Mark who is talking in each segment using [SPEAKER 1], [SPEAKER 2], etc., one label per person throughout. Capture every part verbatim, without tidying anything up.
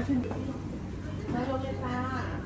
[SPEAKER 1] มาลงเลยค่ะ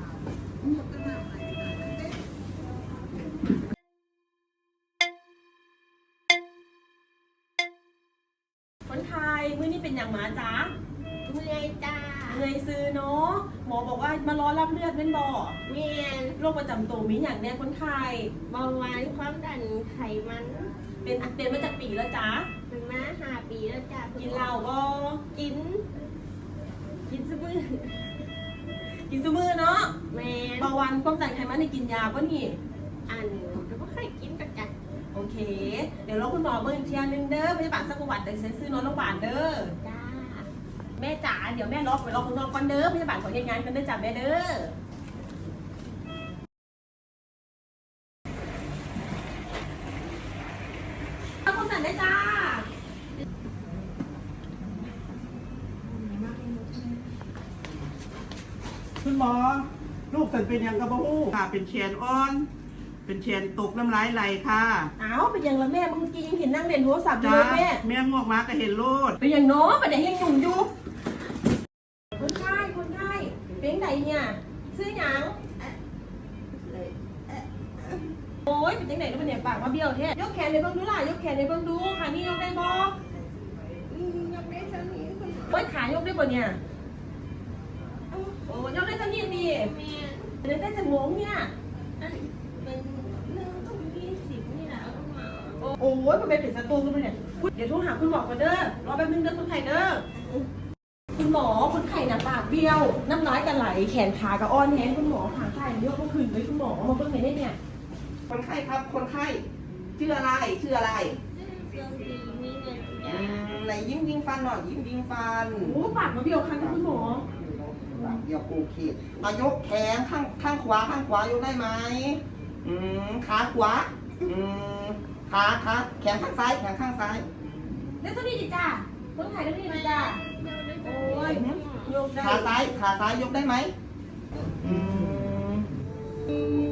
[SPEAKER 1] คนไทยมื้อนี้เป็นอย่างหมาจ๊ะ
[SPEAKER 2] เมื่อยจ้า
[SPEAKER 1] เหนื่อยซื้อเนาะหมอบอกว่ามารอรับเลือดเป็นบ่อ
[SPEAKER 2] เมียน
[SPEAKER 1] โรคประจำตัวมีอย่างแน่คนไทย
[SPEAKER 2] เบาหวานความดันไขมัน
[SPEAKER 1] เป็นเป็นมาจากปีแล้วจ๊ะ
[SPEAKER 2] เป็นมาห้าปีแล้วจ้า
[SPEAKER 1] กิ
[SPEAKER 2] กิ
[SPEAKER 1] นเหล้าบ่
[SPEAKER 2] กิน กินสมือ
[SPEAKER 1] กินซุมื้อเนาะ
[SPEAKER 2] แมน
[SPEAKER 1] เบาหวานความดันไขมันในกินยาป่ะนี่
[SPEAKER 2] อันแล้วก็ค่อยกินประจัด
[SPEAKER 1] โอเค เดี๋ยวเราคุณหมอเบิ่งอีกทีนึงเด้อพยาบาลสักประวัติเดี๋ยวซื้อนอนโรงพยาบาลเด้อ
[SPEAKER 2] จ้า
[SPEAKER 1] แม่จ๋าเดี๋ยวแม่ล็อกไปล็อกข้างนอกก่อนเด้อพยาบาลขอเฮ็ดงานกันเด้อจ้ะแม่เด้อเอาความดันได้จ้า
[SPEAKER 3] คุณหมอ ลูกฉันเป็นยังกระบู้ค่ะ เป็นเชียนอ่อน เป็นเชียนตกน้ำลายไหลค่ะ
[SPEAKER 1] อ้าวเป็นยังละแม่เมื่อกี้ยังเห็นนั่งเล่นโทรศัพท์อยู่
[SPEAKER 3] จ้า
[SPEAKER 1] เลยแม่
[SPEAKER 3] แม่งวกมาก็เห็นโลด
[SPEAKER 1] เป็นยังเนาะประเดี๋ยวยังหนุ่มอยู่คนไข้คนไข้เป็นไงเนี่ยซื้อหยังโอ้ยเป็นจังไหนแล้วมันเนี่ยปากมาเบี้ยวแท้ยกแขนในเบิ่งดูล่ะยกแขนในเบิ่งดูค่ะนี่ยกได้บ่
[SPEAKER 2] อืมยังไม่สนิทคุณหมอ
[SPEAKER 1] โอ้ยขายกได้บ่เนี่ยโอ้ยกได้สักนิดดิ
[SPEAKER 2] แมน
[SPEAKER 1] เดี๋ยวได้จะงงเนี่ย
[SPEAKER 2] อันเป็นเรื่องต้องยี่สิบนี่แหละคุณหมอ
[SPEAKER 1] โอ้ยมันเป็นผิดสตูกันไปเนี่ยเดี๋ยวโทรหาคุณหมอก่อนเด้อรอแป๊บนึงเด้อคนไข้เด้อคุณหมอคนไข้น่ะปากเบี้ยวน้ำลายกันไหลแขนขากระอ่อนแห้งคุณหมอขาไข้เยอะเมื่อคืนเลยคุณหมอมาเบิ่งไหนได้เนี่ย
[SPEAKER 3] คนไข้ครับ คนไข้ ชื่ออะไร ชื่ออะไร
[SPEAKER 2] เรื่องดีมีเงิน
[SPEAKER 3] อื
[SPEAKER 2] จ้าม
[SPEAKER 3] ไหนยิ้มยิงฟันหน่อย ยิ้มยิงฟัน
[SPEAKER 1] โอ้ปากมาเบี้ยวครั้งคุณหมอ
[SPEAKER 3] เดี๋ยวโอเคมายกแขนข้างข้างขวาข้างขวายกได้ไหมอืมขาขวา อืมขาขาแขนข้างซ้าย แขนข้างซ้าย
[SPEAKER 1] ได้สักนิดดิจ้าคนไข้ได้สักนิดดิจ้าโอ้ยยกได้
[SPEAKER 3] ขาซ้าย ขาซ้ายยกได้ไหมอืม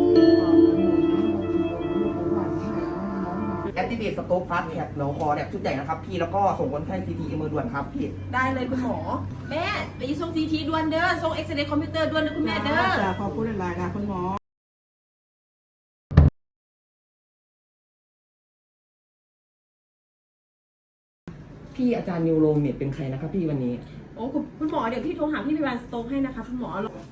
[SPEAKER 3] แอคทีเวตสโต๊กฟาสแท็กเราคอแบบชุดใหญ่นะครับพี่ แล้วก็ส่งคนไข้ซีทีเอมือด่วนครับพี่
[SPEAKER 1] ได้เลยคุณหมอ แม่ไปส่งซีทีด่วนเด้อส่งเอ็กซเรย์คอมพิวเตอร์ด่วนเด้อคุณแม่เด้อ
[SPEAKER 3] จ้าขอบคุณหลายๆค่ะคุณหมอ
[SPEAKER 4] พี่อาจารย์นิวโรเมดเป็นใครนะครับพี่วันนี้
[SPEAKER 1] โอ้คุณคุณหมอเดี๋ยวพี่โทรหาพี่พยาบาลสโต๊กให้นะคะคุณหมอ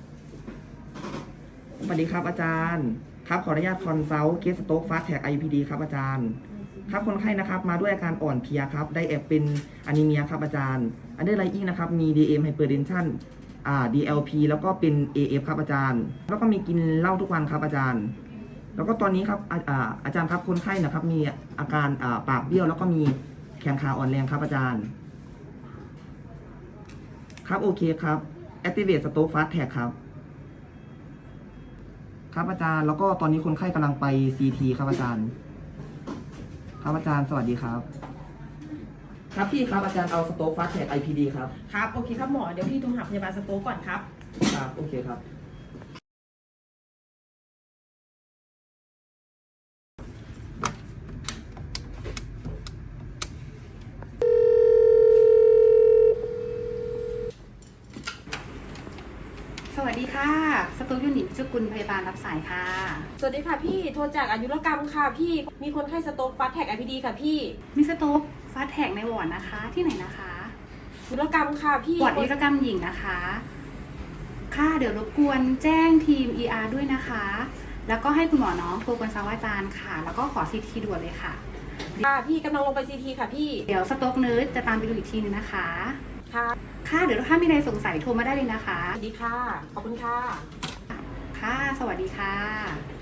[SPEAKER 4] สวัสดีครับอาจารย์ ครับขออนุญาตคอนซัลท์เคสสโต๊กฟาสแท็ก ไอ พี ดี ครับอาจารย์ ครับคนไข้นะครับมาด้วยอาการอ่อนเพลียครับได้แอบเป็นอนิเมียครับอาจารย์ อันเดอร์ไลอิงนะครับมี ดี เอ็ม Hypertension อ่า ดี แอล พี แล้วก็เป็น เอ เอฟ ครับอาจารย์ แล้วก็มีกินเหล้าทุกวันครับอาจารย์ แล้วก็ตอนนี้ครับอาอ่าอาจารย์ครับคนไข้นะครับมีอาการอ่าปากเบี้ยวแล้วก็มีแขนขาอ่อนแรงครับอาจารย์ ครับโอเคครับ Activate Stroke Fast Track ครับ ครับอาจารย์แล้วก็ตอนนี้คนไข้กำลังไป ซี ที ครับอาจารย์ ครับอาจารย์สวัสดีครับ ครับพี่ครับอาจารย์เอา Stroke Fast Track ไอ พี ดี ครับ
[SPEAKER 1] ครับโอเคครับหมอเดี๋ยวพี่โทรหาพยาบาลสโต๊กก่อนครับ
[SPEAKER 4] ครับโอเคครับ
[SPEAKER 5] สวัสดีค่ะ สตูยูนิตเจ้ากุลพยาบาลรับสายค่ะ
[SPEAKER 1] สวัสดีค่ะพี่โทรจากอายุรกรรมค่ะพี่มีคนไข้สโต๊กฟาสแท็กไอพีดีค่ะพี่
[SPEAKER 5] มิสโต๊กฟาสแท็กในวอร์ดนะคะ ที่ไหนนะคะ
[SPEAKER 1] อายุรกรรมค่ะพี่
[SPEAKER 5] วอร์ดวิรกรรมหญิงนะคะ ค่ะเดี๋ยวรบกวนแจ้งทีม อี อาร์ ด้วยนะคะ แล้วก็ให้คุณหมอน้องโทรกวนซาวาจารย์ค่ะ แล้วก็ขอซีทีด่วนเลยค่ะ
[SPEAKER 1] ค่ะพี่กำลังลงไปซีทีค่ะพี่
[SPEAKER 5] เดี๋ยวสต๊อกเนิร์ดจะตามไปดูอีกทีนึงนะคะ
[SPEAKER 1] ค่ะ
[SPEAKER 5] ค่ะ เดี๋ยวถ้ามีอะไรสงสัยโทรมาได้เลยนะคะ
[SPEAKER 1] สวัสดีค่ะขอบคุณค่ะ
[SPEAKER 5] ค่ะ สวัสดีค่ะ